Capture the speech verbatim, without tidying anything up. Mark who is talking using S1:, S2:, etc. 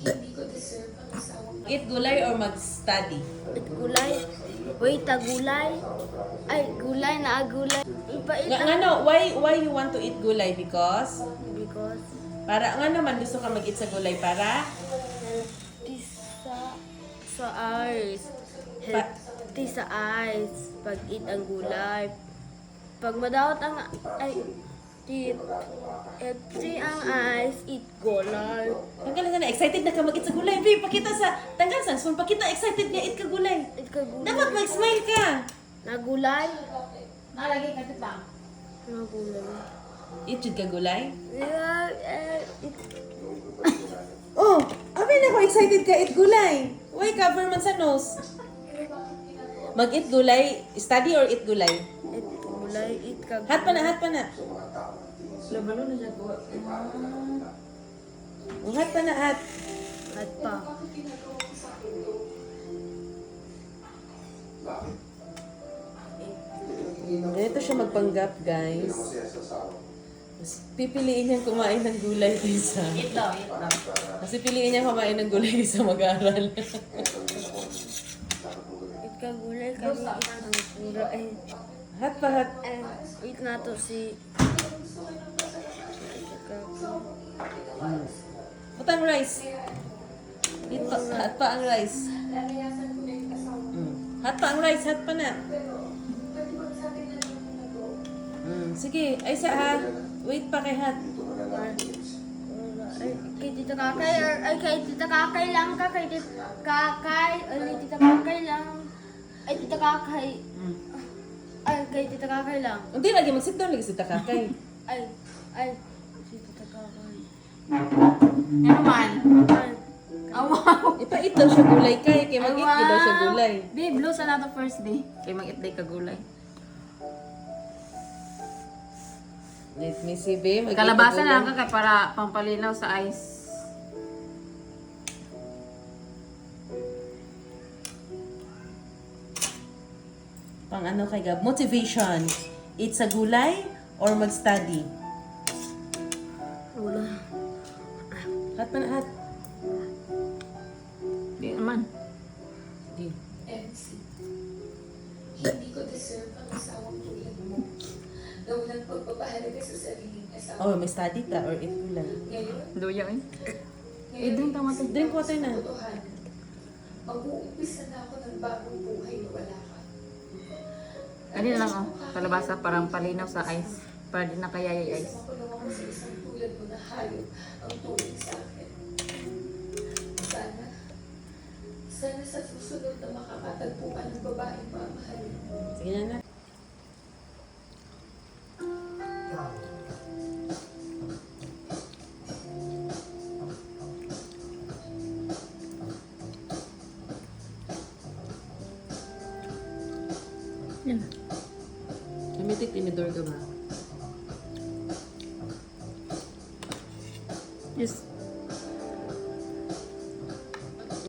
S1: Eat gulay or mag-study?
S2: Eat gulay. Wait, ta gulay. Ay, gulay na gulay. Ipait
S1: Nga, nga no, why, why you want to eat gulay? Because?
S2: Because
S1: Para, nga naman gusto ka mag-eat sa gulay para?
S2: healthy sa sa eyes.
S1: Pa-
S2: Healthy sa eyes. Pag eat ang gulay. Pag madawat ang ay teeth. Healthy ang eyes. Eat gulay.
S1: Tanggal na, excited na ka mag-eat sa gulay. Babe, pakita sa, tanggal sa, so, pakita excited niya, eat ka gulay.
S2: Eat ka gulay.
S1: Dapat mag-smile ka.
S2: Na gulay.
S3: Nalagay ka dito.
S2: Na gulay.
S1: Eat jud ka gulay?
S2: Yeah, eh, eat
S1: Oh, abay na ko excited ka eat gulay. Why cover man sa nose? Mag-eat gulay, study or eat gulay?
S2: eat gulay. Eat ka
S1: Hat pa na, hat pa na.
S3: Labalo na siya ko.
S1: Oh, hat pa na, hat.
S2: At pa.
S1: Ganito siya magpanggap, guys. Mas pipiliin niyang kumain ng gulay kaysa.
S3: Eat daw, eat daw.
S1: Kasi piliin niya kumain ng gulay kaysa mag-aral.
S2: Eat ka gulay. Kami eat ang gulay.
S1: Hat pa, hat.
S2: Eh, eat na to si...
S1: Ba't ang rice? Eat pa, hat pa ang rice. Mm. Hat pa ang rice, hat pa na. Mm, sige, ay sa ha. Wait pa kay hat.
S2: Ay, kay Tita Kakay, or, ay kay Tita Kakay lang ka, kay Tita Kakay, ay kay Tita Kakay lang. Ay, Tita Kakay.
S1: Mm.
S2: Ay, kay Tita Kakay lang.
S1: Hindi lagi, mag-sit down lagi si Takakay.
S2: Ay, ay, si Tita Kakay.
S3: Ano man?
S2: Ay,
S3: Oh, wow.
S1: Ipa-eat daw siya gulay kay, kay
S3: Ay,
S1: mag-eat wow. daw siya gulay.
S3: Babe, blue sa nato first day. Kay mag-eat day ka gulay.
S1: Let me see, babe. Mag-eat
S3: Kalabasa
S1: ka
S3: na
S1: gulay.
S3: lang ka kay para pampalinaw sa ice.
S1: Pang ano kay Gab? Motivation. Eat sa gulay or mag-study?
S2: wala.
S1: Hat pa na, hat.
S3: Di naman.
S1: Di.
S4: M C. Hindi ko deserve ang asawang tulad mo na walang pagpapahalaga sa sariling asawa.
S1: Oh, may study ka or eat gulay.
S4: Ngayon,
S3: Duya eh.
S4: ngayon
S3: drink tama to.
S1: Drink water na.
S4: Totohanan. Mag-uumpisa na ako ng bagong buhay na wala ka.
S3: Ano lang oh. Kalabasa parang palinaw sa ice. Para di na kaya yung ice.
S4: Makulong ako sa isang tulad mo na hayop ang tuwing sa akin. Sana, sana sa susunod na makakatagpo ka ng babaeng mamahalin mo.
S1: Sige na na.
S3: Yan.
S1: Limited tinidor ka ba?
S3: Yes.